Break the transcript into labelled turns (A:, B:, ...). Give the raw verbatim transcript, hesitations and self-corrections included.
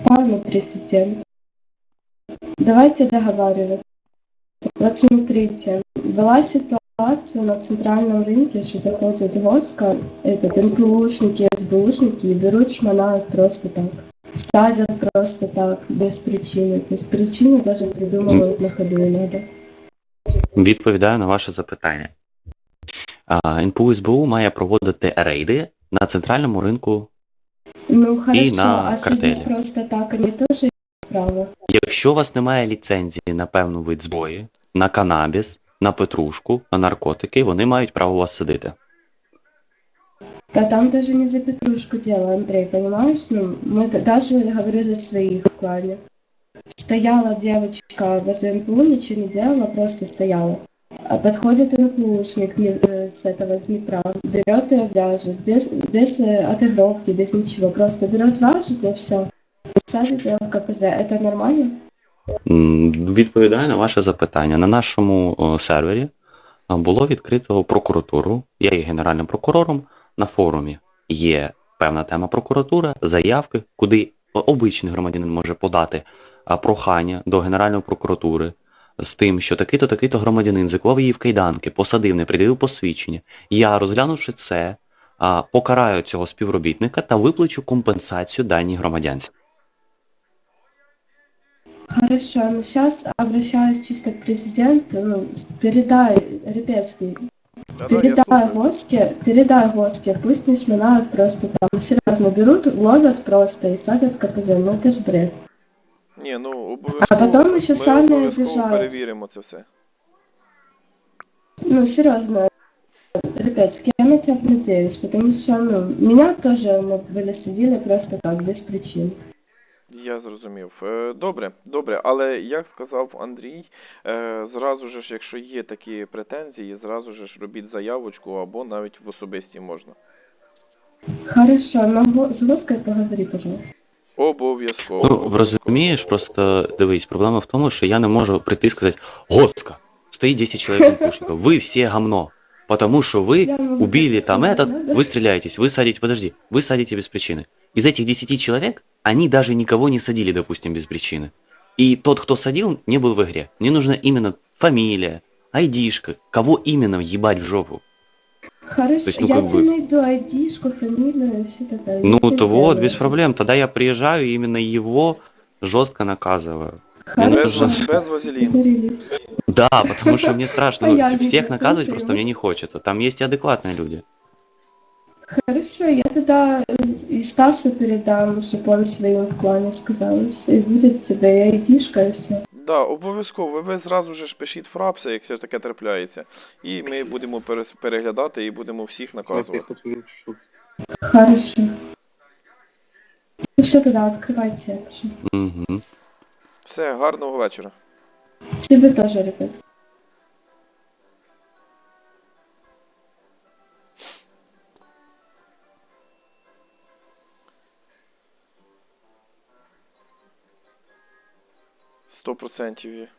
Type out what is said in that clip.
A: пане президент. Давайте договариваться. Вот смотрите, была ситуация на центральном рынке, что заходит воска, этот, эн пэ ушники, эс бэ ушники и берут, шмонают просто так. Садят просто так, без причины. То есть причины даже придумывают на ходу иногда.
B: Відповідаю на ваше запитання. ен пе у ес бе у має проводити рейди на центральному ринку.
A: Ну хорошо,
B: на
A: а
B: картелі.
A: сидеть просто так, они тоже имеют право.
B: Якщо у вас немає ліцензії на певну вид зброї, на канабіс, на петрушку, на наркотики, вони мають право вас садити.
A: Да там даже не за петрушку дело, Андрей, понимаешь? Ну, мы даже, говорю за своих в клане. Стояла девочка возле эн пэ у, ничего не делала, просто стояла. А подходит эн пэ ушник э, с этого с Днепра, берет ее, вяжет, без, без э, отыгровки, без ничего, просто берет, вяжет и все. Садит ее в ка пэ зэ. Это нормально?
B: М, Відповідаю на ваше запитання. На нашому о, сервері а, було відкрито прокуратуру. Я є генеральним прокурором. На форумі є певна тема прокуратура, заявки, куди обичний громадянин може подати а, прохання до Генеральної прокуратури з тим, що такий-то, такий-то громадянин заклав її в кайданки, посадив, не пред'явив посвідчення. Я, розглянувши це, а, покараю цього співробітника та виплачу компенсацію даній громадянці.
A: Хорошо, но сейчас обращаюсь чисто к президенту, ну, передай, Репецкий,
C: Да-да, я
A: передай
C: слухаю.
A: Воске, передай Воске, пусть не шмонают просто там, серьезно, берут, ловят просто и садят в ка пэ зэ, ну это ж бред.
C: Ні, ну обов'язково,
A: А потім ще
C: ми
A: самі
C: обов'язково
A: обіжають.
C: перевіримо це все.
A: Ну, серьезно, Репецкий, я на тебя надеюсь, потому что, ну, меня тоже ну, были судили просто так, без причин.
C: Я зрозумів. Е, Добре, добре, але як сказав Андрій, е, зразу ж, якщо є такі претензії, зразу ж робіть заявочку або навіть в особисті можна.
A: Хорошо, но Во- с Воской поговори, пожалуйста.
C: Обов'язково.
B: Ну,
C: обов'язково.
B: розумієш, просто дивись, проблема в тому, що я не можу прийти і сказати: Госка, стоит десять человек НПУшников, вы все гамно, потому что вы
A: Я могу
B: убили
A: так
B: там
A: сказать,
B: этот,
A: да?
B: вы стреляетесь, вы садите, подожди, вы садите без причины. Из этих десяти человек, они даже никого не садили, допустим, без причины. И тот, кто садил, не был в игре. Мне нужна именно фамилия, айдишка, кого именно въебать в жопу.
A: Хорошо,
B: То есть, ну,
A: я
B: как
A: тебе
B: бы-
A: найду айдишку, фамилию и все такое.
B: Ну,
A: Я тебе
B: то вот,
A: сделаю.
B: без проблем. Тогда я приезжаю и именно его жестко наказываю. Мне
C: Без,
B: тоже-
A: Хорошо,
C: без вазеліну.
A: договорились.
B: Да, потому что мне страшно. Ну,
A: Понятненько,
B: всех наказывать
A: слушаю.
B: просто мне не хочется. Там есть и адекватные люди.
A: Хорошо, я тогда э, и Стасу передам, чтобы он своим в клане сказал, и все, и будет тебе и айдишка, и все.
C: Да, обов'язково. Ви зразу ж пишіть фрапси, якщо таке трапляється. І ми будемо перес- переглядати і будемо всіх наказувати.
A: Хорошо. Ну все, тогда открывайте.
B: Угу.
C: Все, гарного вечора.
A: Тебе тоже, ребят.
C: Сто процентів.